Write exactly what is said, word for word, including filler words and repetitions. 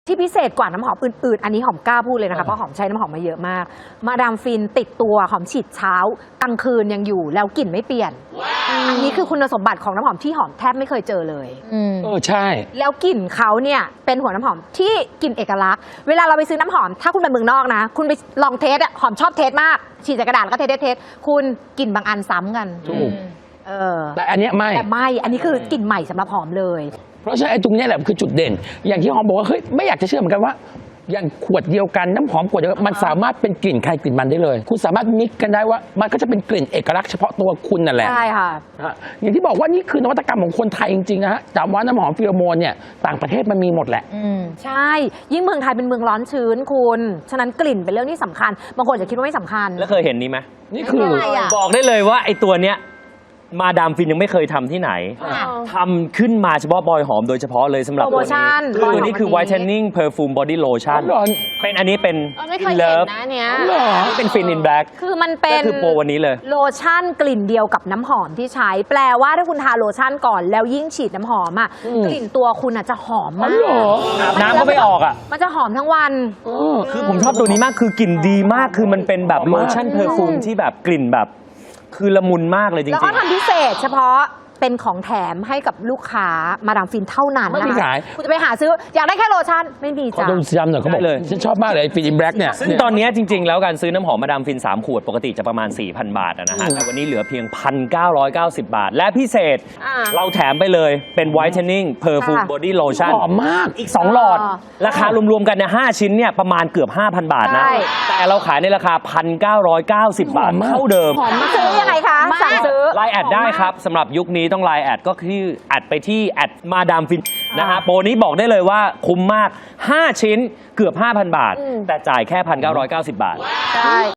ที่พิเศษกว่าน้ำหอมอื่นๆอันนี้หอมกล้าพูดเลยนะคะเพราะหอมใช้น้ำหอมมาเยอะมากมาดามฟินติดตัวหอมฉีดเช้ากลางคืนยังอยู่แล้วกลิ่นไม่เปลี่ยน อันนี้คือคุณสมบัติของน้ำหอมที่หอมแทบไม่เคยเจอเลยเออใช่แล้วกลิ่นเขาเนี่ยเป็นหัวน้ำหอมที่กลิ่นเอกลักษณ์เวลาเราไปซื้อน้ำหอมถ้าคุณไปเมืองนอกนะคุณไปลองเทสอะหอมชอบเทสมากฉีดใส่กระดาษแล้วก็เทสเทสคุณกลิ่นบางอันซ้ำกันถูกเออแต่อันเนี้ยไม่แต่ไม่อันนี้คือกลิ่นใหม่สำหรับหอมเลยเพราะฉะนั้นไอ้ตรงนี้แหละคือจุดเด่นอย่างที่หอมบอกว่าเฮ้ยไม่อยากจะเชื่อเหมือนกันว่าอย่างขวดเดียวกันน้ำหอมขวดเดียวกันมันสามารถเป็นกลิ่นใครกลิ่นมันได้เลยคุณสามารถมิกกันได้ว่ามันก็จะเป็นกลิ่นเอกลักษณ์เฉพาะตัวคุณนั่นแหละใช่ค่ะอย่างที่บอกว่านี่คือนวัตกรรมของคนไทยจริงๆนะฮะจำว่าน้ำหอมฟิโรโมนเนี่ยต่างประเทศมันมีหมดแหละใช่ยิ่งเมืองไทยเป็นเมืองร้อนชื้นคุณฉะนั้นกลิ่นเป็นเรื่องที่สำคัญบางคนจะคิดว่าไม่สำคัญแล้วเคยเห็นนี้ไหมนี่คือบอกได้เลยว่าไอ้ตัวเนี้ยมาดามฟินยังไม่เคยทำที่ไหนทำขึ้นมาเฉพาะบอยหอมโดยเฉพาะเลยสำหรับตัวนี้คือตัวนี้คือ whitening perfume body lotion เป็นอันนี้เป็น in love นะเนี้ยนี่เป็น fin in black คือมันเป็นคือโปรวันนี้เลยโลชั่นกลิ่นเดียวกับน้ำหอมที่ใช้แปลว่าถ้าคุณทาโลชั่นก่อนแล้วยิ่งฉีดน้ำหอมอ่ะกลิ่นตัวคุณอ่ะจะหอมมากน้ำก็ไม่ออกอ่ะมันจะหอมทั้งวันคือผมชอบตัวนี้มากคือกลิ่นดีมากคือมันเป็นแบบโลชั่นเพอร์ฟูมที่แบบกลิ่นแบบคือละมุนมากเลยจริงๆแล้วก็ทำพิเศษเฉพาะเป็นของแถมให้กับลูกค้ามาดามฟินเท่านั้นไม่มีขายคุณจะไปหาซื้ออยากได้แค่โลชั่นไม่มีจ้ะเขาต้องย้ำหน่อยเขาบอกเลยฉันชอบมากเลยฟินอินแบล็กเนี่ยซึ่งตอนนี้จริงๆแล้วการซื้อน้ำหอมมาดามฟินสามขวดปกติจะประมาณ สี่พัน บาทนะฮะแต่วันนี้เหลือเพียง หนึ่งพันเก้าร้อยเก้าสิบ บาทและพิเศษเราแถมไปเลยเป็น whitening perfume body lotion หอมมากอีกสองหลอดราคารวมๆกันเนี่ยห้าชิ้นเนี่ยประมาณเกือบ ห้าพัน บาทนะแต่เราขายในราคา หนึ่งพันเก้าร้อยเก้าสิบ บาทเท่าเดิมซื้อยังไงคะสั่งซื้อไลน์แอดได้ครับสำหรับยุคนี้ต้องไลน์แอดก็คือแอดไปที่แอดมาดามฟินนะฮะโปรนี้บอกได้เลยว่าคุ้มมากห้าชิ้นเกือบ ห้าพัน บาทแต่จ่ายแค่ หนึ่งพันเก้าร้อยเก้าสิบ บาทใช่